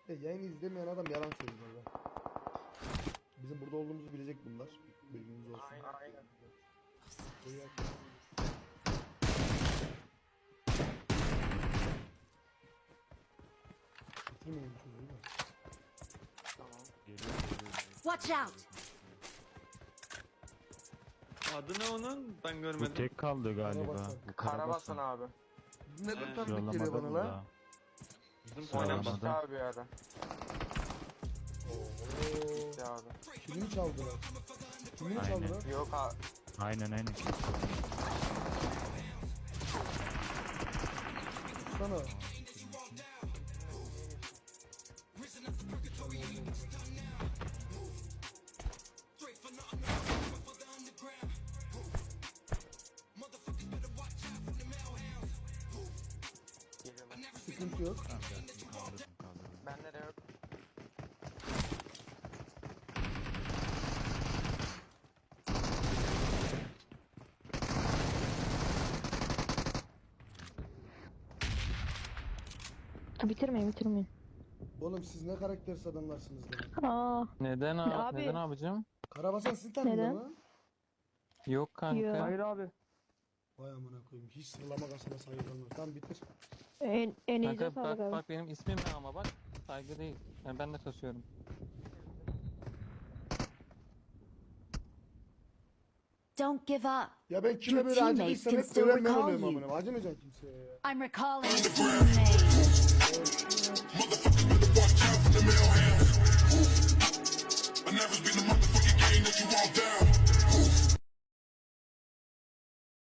Yayını izlemeyen adam yalan söylüyor ya. Bizim burada olduğumuzu bilecek bunlar. Bilginiz olsun. Aynen. Bitirmeyin çocuğu da. Tamam. Watch out! Adı ne onun? Ben Bu görmedim. tek kaldı galiba. Karabasan. Bu Karabasan abi. Ne kadar tanıdık geliyor Yollamadım bana da. lan. Bizim Sağ ol. Oynamıştık Anladım. abi bir ara. Ooo. Gitti abi. Kimini çaldılar? Kimini Aynen. çaldılar? Yok abi. Aynen. Sana. Geliyorum. Sıkıntı yok. Kaldırdım. Bende de yok. Bitirmeyin. Oğlum siz ne karaktersiz adamlarsınız lan. Aa, Neden Abi. Neden abicim? Karabasan sizi tanıdın Neden? mı? Yok kanka. Yok. Hayır abi. Vay amına koyayım. Hiç sırlama kasına saygılanmıyor. Tamam bitir. en iyice Kanka sağlık abi. bak benim ismim ne ama bak. Saygı değil. Yani ben de kasıyorum. Don't give up. Ya ben kime Your böyle teammates acıdıysam can hep still ölen ben recall oluyorum you. amına. Acımayacağım kimseye ya. I'm recalling a teammate. I never been the motherfucking game that you all down.